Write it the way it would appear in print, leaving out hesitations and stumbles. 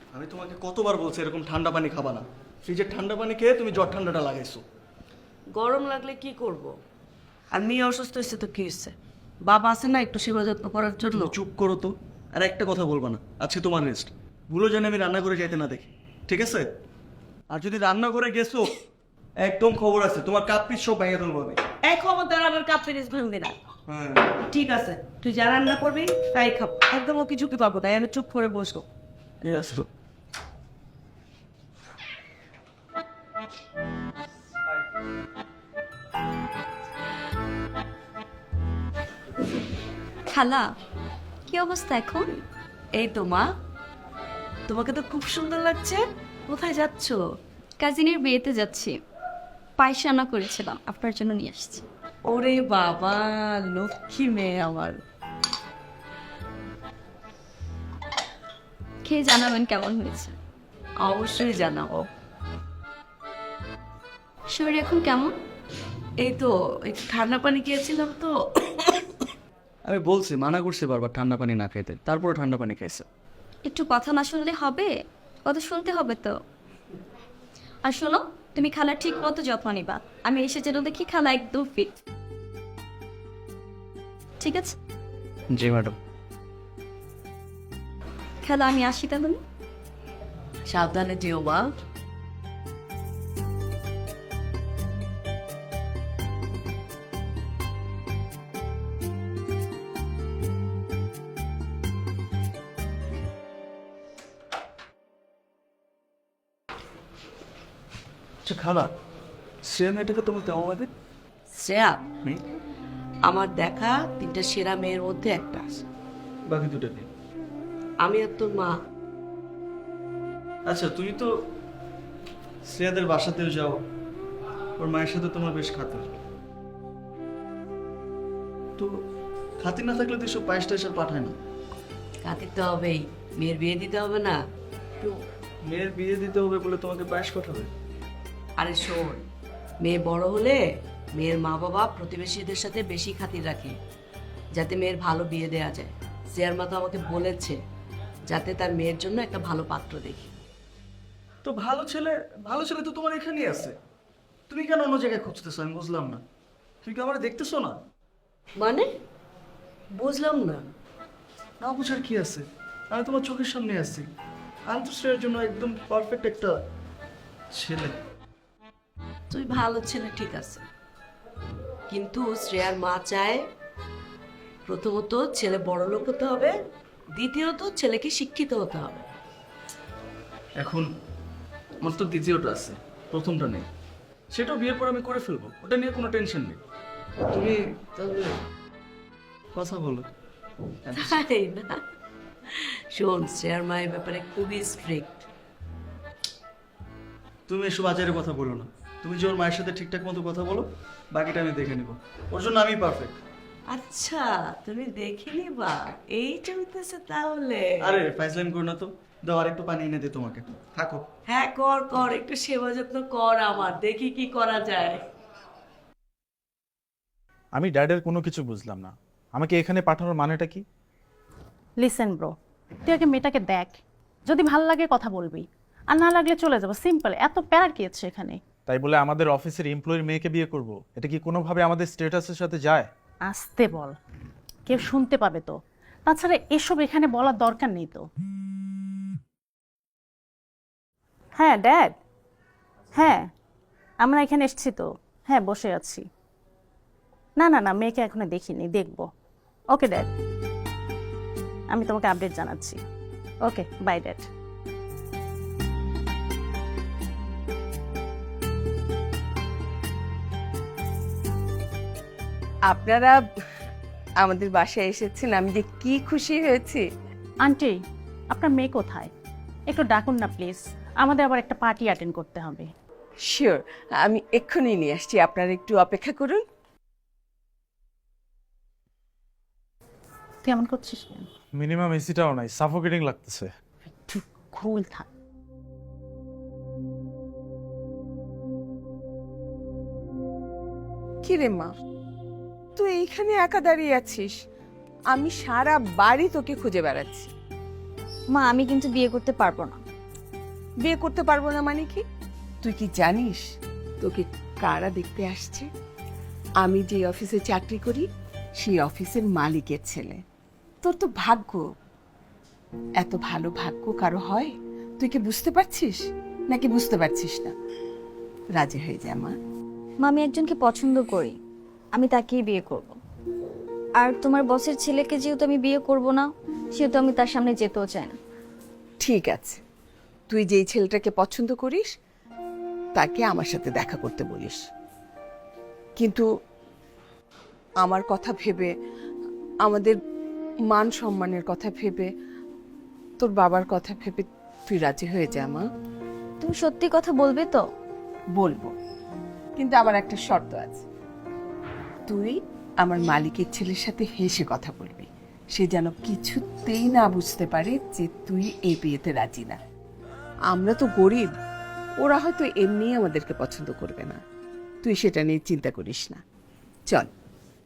আমি তোমাকে কতবার বলছি এরকম ঠান্ডা পানি খাবা না। ফ্রিজের ঠান্ডা পানি খেয়ে তুমি জ্বর ঠান্ডাটা লাগাইছো। গরম লাগলে কি করব? আর মেয়ে অসুস্থ হয়েছে তো কি হয়েছে? বাবা আছে না একটু সেবা যত্ন করার জন্য। তুমি চুপ করো তো। আর একটা কথা বলবা না, আজকে তোমার রেস্ট। ভুলো যেন আমি রান্না করে যাইতে না দেখি, ঠিক আছে? আর যদি রান্না করে গেছো, একদম খবর আছে, তোমার কাপ পিস সব ভেঙে তুলবো আমি। এই খবরদার আমার কাপ ফিরিস ভাঙবি না। হ্যাঁ, ঠিক আছে, তুই যা রান্না করবি তাই খাব। একদম ওকে ঝুঁকি পাবো, তাই আমি চুপ করে বসবো। ঠিক আছে। খালা, কি অবস্থা এখন? এই তো মা, তোমাকে তো খুব সুন্দর লাগছে। কোথায় যাচ্ছ? কাজিনের বিয়েতে যাচ্ছি। পায়েস রান্না করেছিলাম, আপনার জন্য নিয়ে আসছি। ওরে বাবা, লক্ষ্মী মেয়ে আমার। খেয়ে জানাবেন কেমন হয়েছে। অবশ্যই জানাবো। শরীর এখন কেমন? এই তো একটু ঠান্ডা পানি খেয়েছিলাম তো। আমি বলছি, মানা করছি বারবার ঠান্ডা পানি না খাইতে, তারপরে ঠান্ডা পানি খাইছে। একটু কথা না শুনলে হবে? কথা শুনতে হবে তো। আর শোনো, তুমি খালার ঠিক মতো যত্ন নিবা। আমি এসে যেন দেখি খালা একদম ফিট। ঠিক আছে জি ম্যাডাম। খালা, আমি আসি তাহলে। সাবধানে যেও মা। আচ্ছা খালা, শ্রেয়া মেয়েটাকে তোমার কেমন লাগে? শ্রেয়া আমার দেখা তিনটা সেরা মেয়ের মধ্যে একটা আছে। বাকি দুটাকে? আমি আর তোর মা। আচ্ছা, তুমি তো শ্রেয়াদের বাসাতেও যাও, ওর মায়ের সাথে তোমার বেশ খাতির। তো খাতির না থাকলে তো এসব পায়েস টায়েস আর পাঠায় না। কাঁদিতে হবেই, মেয়ের বিয়ে দিতে হবে না। তো মেয়ের বিয়ে দিতে হবে বলে তোমাকে পায়েস পাঠাবে? আরে শোন, মেয়ে বড় হলে মেয়ের মা বাবা প্রতিবেশীদের সাথে বেশি খাতির রাখে, যাতে মেয়ের ভালো বিয়ে দেওয়া যায়। শ্রেয়ার মা তো আমাকে বলেছে যাতে তার মেয়ের জন্য একটা ভালো পাত্র দেখি। তো ভালো ছেলে, ভালো ছেলে তো তোমার এখানেই আছে। তুমি কেন অন্য জায়গায় খুঁজতেছো আমি বুঝলাম না। তুমি কি আমার দেখতেছো না? মানে বুঝলাম না। না বুঝার কি আছে? আমি তোমার চোখের সামনে আছি। আমি তো শ্রেয়ার জন্য একদম পারফেক্ট একটা ছেলে। তুই ভালো ছেলে ঠিক আছে, কিন্তু শ্রেয়ার মা চায় প্রথমত ছেলে বড় লোক হতে হবে, দ্বিতীয়ত ছেলেকে শিক্ষিত হতে হবে। এখন আমার তো দ্বিতীয়টা আছে, প্রথমটা নেই। সেটাও বিয়ের পর আমি করে ফেলবো, ওটা নিয়ে কোনো টেনশন নেই। তুমি তাহলে কথা বলো। তাই না? শোন, শ্রেয়ার মা এই ব্যাপারে খুবই স্ট্রিক্ট। তুমি এসব আচারের কথা বলো না। তুমি যে ওর মায়ের সাথে ঠিকঠাক মতো কথা বলো, বাকিটা আমি দেখে নিব। ওর জন্য আমি পারফেক্ট। আচ্ছা, তুমি দেখে নিবা, এই চলতেছে তাহলে। আরে ফাইজলাইন করো না তো। দাও আর একটু পানি এনে দে তোমাকে। থাকো। হ্যাঁ কর কর, একটু সেবা যত্ন কর আমার, দেখি কি করা যায়। আমি ড্যাডের কোনো কিছু বুঝলাম না। আমাকে এখানে পাঠানোর মানেটা কি? লিসেন ব্রো, তুই আগে মেয়েটাকে দেখ, যদি ভালো লাগে কথা বলবি, আর না লাগলে চলে যাবো, সিম্পল। এত প্যারা কি আছে এখানে? তাই বলে আমাদের অফিসের এমপ্লয়ির মেয়েকে বিয়ে করব, এটা কি কোনোভাবে আমাদের স্ট্যাটাসের সাথে যায়? আসতে বল, কেউ শুনতে পাবে তো। তাছাড়া এসব এখানে বলার দরকার নেই তো। হ্যাঁ ড্যাড, হ্যাঁ আমরা এখানে এসেছি তো। হ্যাঁ বসে আছি। না না না, মেয়েকে এখনো দেখিনি, দেখবো। ওকে ড্যাড, আমি তোমাকে আপডেট জানাচ্ছি। Okay bye dad. আপনারা আমাদের বাসায় এসেছেন, আমি যে কি খুশি হয়েছি। আন্টি, আপনার মেয়ে কোথায়? একটু ডাকুন না প্লিজ, আমাদের আবার একটা পার্টি অ্যাটেন্ড করতে হবে। শিওর, আমি এক্ষুনি নিয়ে আসছি, আপনারা একটু অপেক্ষা করুন। তুই এমন করছিস কেন? মিনিমাম এসিটাও নাই, সাফোকেটিং লাগতেছে। একটু কুল থাক। কি রে মা, তুই এইখানে একা দাঁড়িয়ে আছিস? আমি সারা বাড়ি তোকে খুঁজে বেড়াচ্ছি। মা, আমি কিন্তু বিয়ে করতে পারবো না। বিয়ে করতে পারবো না মানে কি? তুই কি জানিস তোকে কারা দেখতে আসছে? আমি যে অফিসে চাকরি করি সেই অফিসের মালিকের ছেলে। তোর তো ভাগ্য, এত ভালো ভাগ্য কারো হয়? তুই কি বুঝতে পারছিস নাকি বুঝতে পারছিস না? রাজি হয়ে যা মা। মা, আমি একজনকে পছন্দ করি, আমি তাকেই বিয়ে করব। আর তোমার বসের ছেলেকে যেহেতু আমি বিয়ে করব না, সেহেতু আমি তার সামনে যেতেও চাই না। ঠিক আছে, তুই যেই ছেলেটাকে পছন্দ করিস তাকে আমার সাথে দেখা করতে বলিস, কিন্তু আমার কথা ভেবে, আমাদের মান সম্মানের কথা ভেবে, তোর বাবার কথা ভেবে তুই রাজি হয়ে যা মা। তুমি সত্যি কথা বলবে তো? বলবো, কিন্তু আবার একটা শর্ত আছে। তুই আমার মালিকের ছেলের সাথে হেসে কথা বলবি, সে যেন কিছুতেই না বুঝতে পারে যে তুই এই বিয়েতে রাজি না। আমরা তো গরিব, ওরা হয়তো এমনি আমাদেরকে পছন্দ করবে না, তুই সেটা নিয়ে চিন্তা করিস না। চল।